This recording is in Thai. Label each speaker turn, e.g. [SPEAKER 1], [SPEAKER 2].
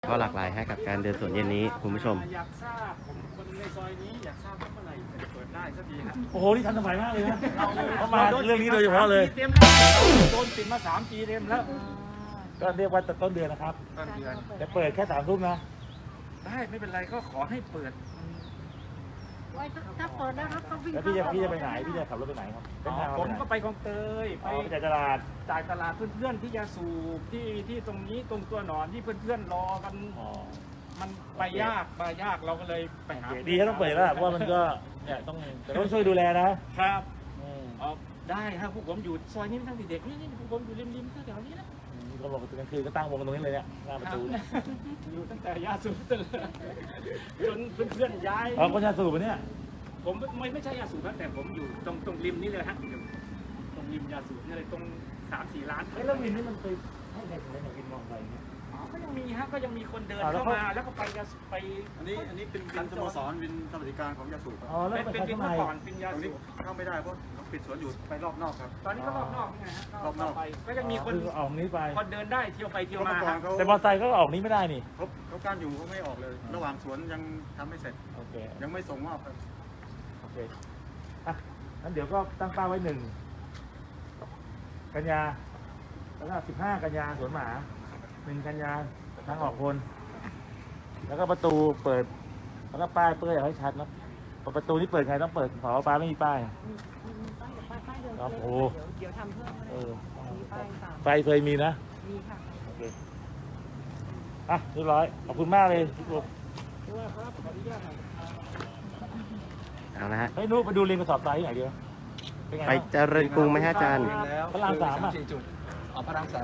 [SPEAKER 1] ก็หลากหลายให้กับการเดินสวนเย็นนี้คุณผู้ชม
[SPEAKER 2] อยากทราบผมคนในซอยนี้อยากทราบว่าเมื่อไหร่จะเปิดได้สักทีฮะ
[SPEAKER 3] โอ้โห นี่ทันสมัยมากเลยนะเขามาเรื่องนี้โดยเฉพาะเลย
[SPEAKER 2] เต็มแล้วโดนปิดมา3 ปีเต็มแล้ว
[SPEAKER 3] ก็เรียกว่าต้นเดือนนะครับ
[SPEAKER 2] ต้นเดือน
[SPEAKER 3] จะเปิดแค่3 ทุ่มนะ
[SPEAKER 2] ได้ไม่เป็นไรก็ขอให้เปิด
[SPEAKER 4] ไว้ถ้าเปิดแล้วครับก็วิ่ง
[SPEAKER 3] แล้วพี่จะไปไหน พี่จะขับรถไปไหนครับเส้นทาง
[SPEAKER 2] ผ
[SPEAKER 3] เรา
[SPEAKER 2] ม
[SPEAKER 3] ไปไหน
[SPEAKER 2] ก็ไปคลองเตย
[SPEAKER 3] อ๋อไปจากตลาด
[SPEAKER 2] จ่ายตลาดเพื่อนๆที่ยาสูบที่ตรงนี้ตรงตัวหนอนที่เพื่อนๆรอกัน
[SPEAKER 3] อ๋อ
[SPEAKER 2] มันไปยากเราก็เลยไปหา
[SPEAKER 3] โอเคดีถ้าต้องเปิดแล้วล่ะเพราะว่ามันก็เนี่ยต้องช่วยดูแลนะครับ
[SPEAKER 2] เอาได้ครับพวกผมอยู่ซอยนี้ตั้งแต่เด็กนี่พวกผมอยู่ริมๆแถวๆนี้นะ
[SPEAKER 3] เขาบอกกลางคืนก็ตั้งวงตรงนี้เลยเนี่ยหน้าประตูเนี่ย
[SPEAKER 2] อยู่ตั้งแต่ยาสูบจนเพื่อนๆย้าย
[SPEAKER 3] อ๋อคนยาสูบเนี่ย
[SPEAKER 2] ผมไม่ใช่ยาสูบนะแต่ผมอยู่ตรงริมนี่เลยฮะอยู่ตรงริมยาสูบนี่เลยตรง 3-4 ล้าน
[SPEAKER 3] แล้ววินนี่มันไปให้ใครถึงได้วินมองไปเนี่ย
[SPEAKER 2] อ๋อก็ยังมีฮะก็ยังมีคนเดิน
[SPEAKER 3] แล้ว
[SPEAKER 2] เข้า
[SPEAKER 3] เขา
[SPEAKER 2] มาแล้วก็ไปยาไป
[SPEAKER 5] อันนี้เป็นวินสโมสรวินสวัสดิการของยาสูบครับ
[SPEAKER 3] อ๋อแล้ว
[SPEAKER 2] เป็น
[SPEAKER 3] ไป
[SPEAKER 2] เป็น
[SPEAKER 3] ข้าง
[SPEAKER 2] เมื่
[SPEAKER 3] ใน
[SPEAKER 2] อก่อนเป็นยา
[SPEAKER 5] ตรง
[SPEAKER 2] สู
[SPEAKER 5] นี้
[SPEAKER 2] บ
[SPEAKER 5] เข้าไม่ได้เพราะเขาปิดสวนอยู่ไปรอบนอกครับ
[SPEAKER 2] ตอนนี้ก็รอบนอกไงฮะ
[SPEAKER 5] รอบนอก
[SPEAKER 2] ไปก็ยังมีคน
[SPEAKER 3] คือออกนี้ไป
[SPEAKER 2] คนเดินได้เที่ยวไปเที่ยว
[SPEAKER 5] เมื่
[SPEAKER 2] มา
[SPEAKER 5] อก่อน
[SPEAKER 2] ฮะ
[SPEAKER 5] เขา
[SPEAKER 3] แต่มอเตอร์ไซค์ก็ออกนี้ไม่ได้นี่
[SPEAKER 5] เขากั้นอยู่เขาไม่ออกเลย ระหว่างสวนยังทำไม่เสร็จ
[SPEAKER 3] โอเค
[SPEAKER 5] ยังไม่ส่งมอบครับ
[SPEAKER 3] โอเคอ่ะงั้นเดี๋ยวก็ตั้งเป้าไว้1 กันยาแล้วก็15 กันยาสวนหมา1 กันยาทางออกคนแล้วก็ประตูเปิดแล้วก็ป้ายเปื้อยให้ชัดนะประตูนี้เปิดใครต้องเปิดผอป้าไม่มีป้าย
[SPEAKER 4] ป้ายกับป้ายเดิน
[SPEAKER 3] ครับ
[SPEAKER 4] เลย
[SPEAKER 3] โอ้
[SPEAKER 4] เดี๋ยวทำเพิ่ม
[SPEAKER 3] เออ
[SPEAKER 4] มีป้ายต่าง
[SPEAKER 3] ไฟเคยมีนะ
[SPEAKER 4] มีค่ะ
[SPEAKER 3] โอเคอ่ะเรียบร้อยขอบคุณมากเลยพี่ปุ๊บ
[SPEAKER 2] ด้วยครับขออนุญาตหน่อย
[SPEAKER 1] เอาละฮะ
[SPEAKER 3] เฮ้ยนุ๊กไปดูเรียนกระสอบทรายที่ไหนดีวะเป็นไง
[SPEAKER 1] ไป
[SPEAKER 3] บ้าง
[SPEAKER 1] เจริญกรุงไหมฮะอาจารย์
[SPEAKER 3] พระราม 3 อ่ะ
[SPEAKER 5] พระราม 3